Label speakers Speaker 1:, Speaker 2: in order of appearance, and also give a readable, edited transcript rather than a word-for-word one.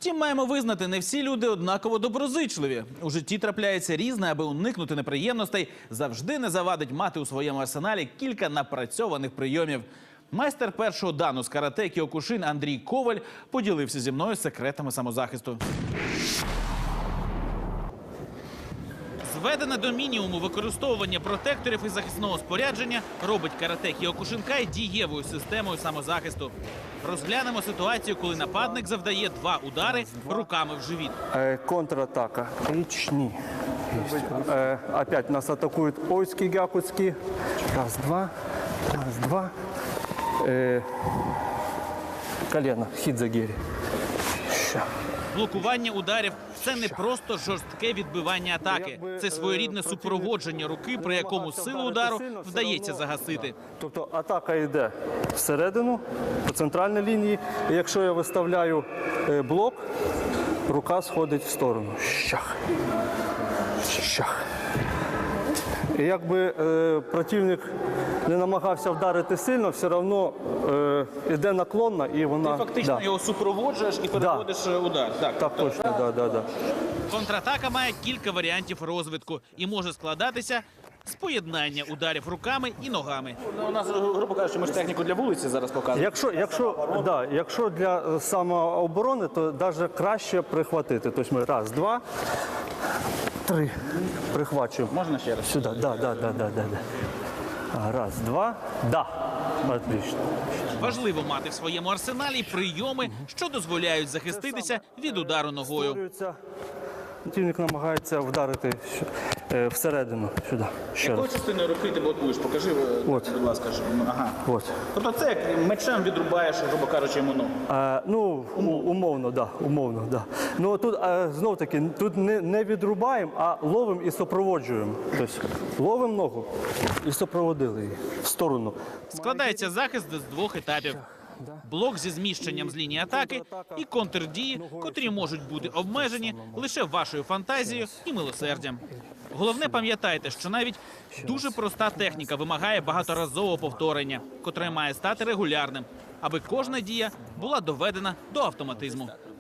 Speaker 1: Втім, маємо визнати, не всі люди однаково доброзичливі. У житті трапляється різне, аби уникнути неприємностей. Завжди не завадить мати у своєму арсеналі кілька напрацьованих прийомів. Майстер першого дану з карате Кіокушин Андрій Коваль поділився зі мною секретами самозахисту. Зведене до мінімуму використовування протекторів і захисного спорядження робить карате Кіокушинкай дієвою системою самозахисту. Розглянемо ситуацію, коли нападник завдає 2 удари руками в живіт.
Speaker 2: Контратака. Ні. Опять нас атакуют ойски, гякутски. Раз, два. Раз, два. Колено. Хідзагірі.
Speaker 1: Блокування ударів – це не просто жорстке відбивання атаки. Це своєрідне супроводження руки, при якому силу удару вдається загасити.
Speaker 2: Тобто атака йде всередину, по центральній лінії. І якщо я виставляю блок, рука сходить в сторону. Щах. Щах. І якби противник не намагався вдарити сильно, все одно йде наклонна і вона...
Speaker 1: Ти фактично його супроводжуєш і переводиш удар.
Speaker 2: Так, точно, да.
Speaker 1: Контратака має кілька варіантів розвитку і може складатися з поєднання ударів руками і ногами.
Speaker 3: У нас, грубо кажучи, ми ж техніку для вулиці зараз показуємо.
Speaker 2: Якщо для самооборони, то навіть краще прихватити. Тобто ми раз, два, три прихвачуємо.
Speaker 3: Можна ще раз?
Speaker 2: Сюди, да. Раз, два, да. Отлично.
Speaker 1: Важливо мати в своєму арсеналі прийоми, що дозволяють захиститися від удару ногою.
Speaker 2: Противник намагається вдарити всередину, сюди. Ще
Speaker 3: Якою
Speaker 2: раз.
Speaker 3: частиною руки ти блокуєш? Покажи,
Speaker 2: От.
Speaker 3: будь ласка. Ага.
Speaker 2: От.
Speaker 3: Тобто це як мечем відрубаєш, грубо кажучи, йому ногу.
Speaker 2: Умовно, да. Ну тут знов таки тут не відрубаємо, а ловимо і супроводжуємо. Тобто ловимо ногу і супроводили її в сторону.
Speaker 1: Складається захист з 2 етапів. Блок зі зміщенням з лінії атаки і контрдії, котрі можуть бути обмежені лише вашою фантазією і милосердям. Головне, пам'ятайте, що навіть дуже проста техніка вимагає багаторазового повторення, котре має стати регулярним, аби кожна дія була доведена до автоматизму.